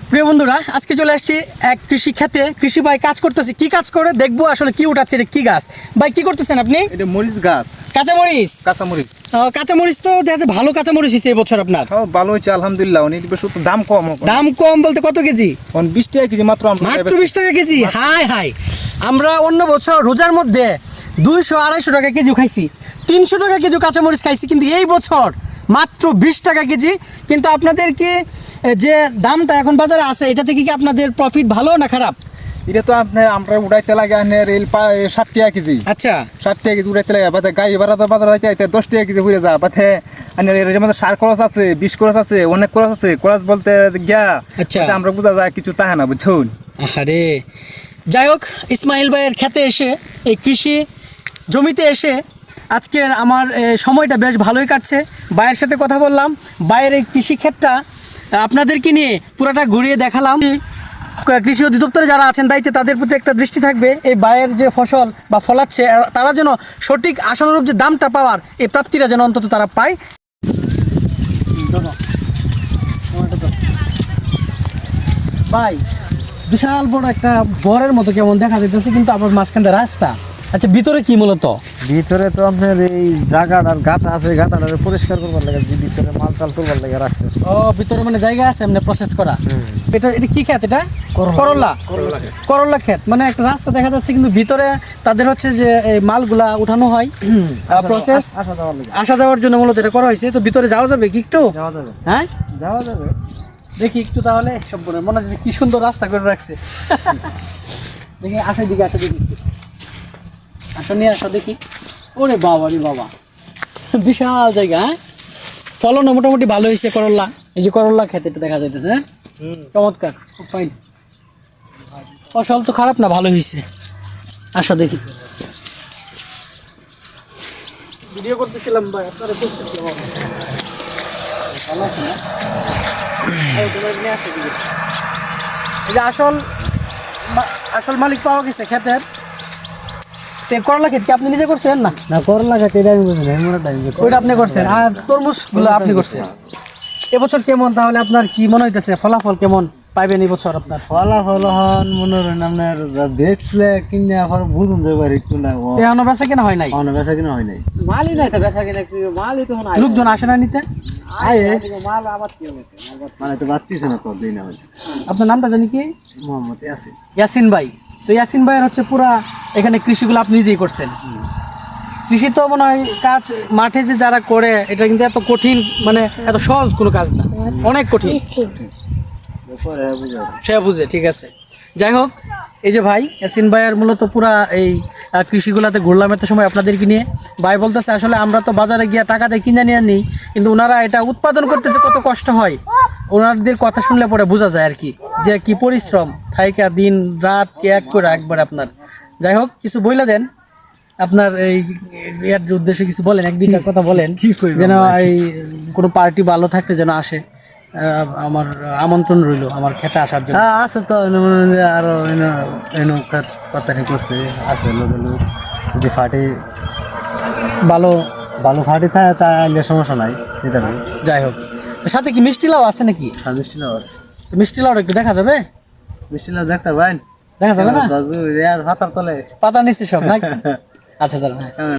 প্রিয় বন্ধুরা, আজকে চলে আসছি এক কৃষি ক্ষেতে। কৃষি ভাই কাজ করতেছে, কি কাজ করে দেখবো আসলে কি উঠাচ্ছে, এটা কি গাছ ভাই, কি করতেছেন আপনি? এটা মরিচ গাছ, কাঁচামরিচ। কাঁচামরিচ। কাঁচামরিচ তো দেখা যাচ্ছে ভালো কাঁচামরিচ হয়েছে এবছর আপনার। হ্যাঁ, ভালো হয়েছে আলহামদুলিল্লাহ। অনেক বেশ দাম কম। দাম কম বলতে কত কেজি? 20 টাকা কেজি মাত্র। মাত্র 20 টাকা কেজি? হাই হাই, আমরা অন্য বছর রোজার মধ্যে 200-250 টাকা কেজি খাইছি, 300 টাকা কেজি কাঁচামরিচ খাইছি, কিন্তু এই বছর মাত্র 20 টাকা কেজি। কিন্তু আপনাদের কি যে দামটা এখন বাজারে আছে, এটা থেকে কি আপনাদের প্রফিট ভালো না খারাপ? এটা তো আমরা উড়াইতে লাগে 60 টাকা কেজি। আচ্ছা, 60 টাকা কেজি উড়াইতে লাগে। বাদে গাড়ি ভাড়া তো বাজার যাইতে 10 টাকা কেজি ঘুরে যা। বাদে এর মধ্যে সার খরচ আছে, বিষ খরচ আছে, অনেক খরচ আছে। খরচ বলতে গিয়া আচ্ছা, আমরা বোঝা যায় কিছু তাহে না, বুঝছুন। আরে যাই হোক, ইসমাইল ভাইয়ের খেতে এসে, এই কৃষি জমিতে এসে আজকের আমার সময়টা বেশ ভালোই কাটছে। ভাইয়ের সাথে কথা বললাম, ভাইয়ের এই কৃষি ক্ষেতটা আপনাদেরকে নিয়ে পুরাটা ঘুরিয়ে দেখালাম। কৃষি অধিদপ্তরে যারা আছেন দায়িত্বে, তাদের প্রতি একটা দৃষ্টি থাকবে, এই ভাইয়ের যে ফসল বা ফলাচ্ছে তারা যেন সঠিক আশানুরূপ যে দামটা পাওয়ার, এই প্রাপ্তিটা যেন অন্তত তারা পায়। ভাই, বিশাল বড় একটা বরের মতো কেমন দেখা যাইতেছে, কিন্তু আবার মাঝখানে রাস্তা। আচ্ছা, ভিতরে কি মূলত? ভিতরে তো আপনার এই জায়গাটার গাঁথা আছে, গাঁথাটা পরিষ্কার করবার লাগে, ভিতরে মাল টাল করবার লাগে রাখছে। ও, ভিতরে মানে জায়গা আছে এমনি প্রসেস করা। এটা কি ক্ষেত? এটা করল্লা ক্ষেত। মানে একটা রাস্তা দেখা যাচ্ছে, কিন্তু ভিতরে তাদের হচ্ছে যে এই মালগুলা উঠানো হয়, প্রসেস আসা যাওয়ার জন্য মূলত এটা করা হয়েছে। তো ভিতরে যাওয়া যাবে কি একটু? যাওয়া যাবে, হ্যাঁ যাওয়া যাবে। দেখি একটু তাহলে। সব মনে হচ্ছে কি সুন্দর রাস্তা করে রাখছে। দেখি, আসার দিকে আসা দেখি, আসা নিয়ে আসা দেখি। ওরে বাবা রে বাবা, বিশাল জায়গা। হ্যাঁ, ফলনও মোটামুটি ভালো হয়েছে করল্লা। এই যে করল্লা খেতে এটা দেখা যাইতেছে। হ্যাঁ, চমৎকার, খুব ফাইন। ফসল তো খারাপ না, ভালো হয়েছে। আসা দেখি। ভিডিও করতেছিলাম ভাই, আপনারা করতেছিলাম। ভালো আছে না? এই যে আসল মালিক পাওয়া গেছে ক্ষেতের। করলা ক্ষেত কি আপনি নিজে করছেন? না, করলা গাছ এটা আমি বুঝি না, এমন টাইম ওইটা আপনি করছেন, আর তরমুজগুলো আপনি করছেন। এবছর কেমন তাহলে আপনার কি মনে হইতেছে, ফলাফল কেমন পাইবেন এবছর আপনার? ফলাফল হন মনে করেন আপনার যা বেচলে কিনে আবার বুঝুন যাবে একটু না। এখনো বেচা কেনা হয় নাই? অন্য বেচা কিনা হয় নাই, মালই নাই তো বেচা কিনা, মালই তো হয়। লোকজন আসে না নিতে? মাল আবার কি হবে, মানে তো বাড়তিছে না তো দিন হচ্ছে। আপনার নামটা জানি কি? মোহাম্মদ ইয়াসিন। ইয়াসিন ভাই। তো ইয়াসিন ভাইয়ের হচ্ছে পুরা এখানে কৃষিগুলো আপনি নিজেই করছেন। কৃষি তো মনে হয় কাজ মাঠে যে যারা করে, এটা কিন্তু এত কঠিন, মানে এত সহজ কোনো কাজ না, অনেক কঠিন। সে বুঝে, ঠিক আছে। যাই হোক, এই যে ভাই ইয়াসিন ভাইয়ের মূলত পুরা এই কৃষিগুলাতে ঘুরলাম এত সময় আপনাদেরকে নিয়ে। ভাই বলতেছে আসলে আমরা তো বাজারে গিয়ে টাকাতে কিনে নিয়ে নিই, কিন্তু ওনারা এটা উৎপাদন করতেছে কত কষ্ট হয়, ওনাদের কথা শুনলে পরে বোঝা যায় আর কি, যে কি পরিশ্রম থাইকা দিন রাত এক করে একবার আপনার। যাই হোক, কিছু বইলা দেন আপনার এই এর উদ্দেশ্যে, কিছু বলেন, এক দুইটা কথা বলেন, যেন এই কোনো পার্টি ভালো থাকতে যেন আসে। আমার আমন্ত্রণ রইল আমার খেতে আসার জন্য। হ্যাঁ আছে তো, মনে হয় যে আরো পাতারি করছে, আছে লোক যদি ফাটি ভালো ভালো ফাটি থাকে তা আইলে সমস্যা নাই, দিতে পারি। যাই হোক, সাথে কি মিষ্টি লাউ আছে নাকি? আর মিষ্টি লাউ আছে। মিষ্টি লাউ একটু দেখা যাবে? মিষ্টি লাউ দেখতে পারেন, দেখা যাবে না? পাতার তলে পাতা নিচ্ছে সব নাকি? আচ্ছা, দাঁড়ান।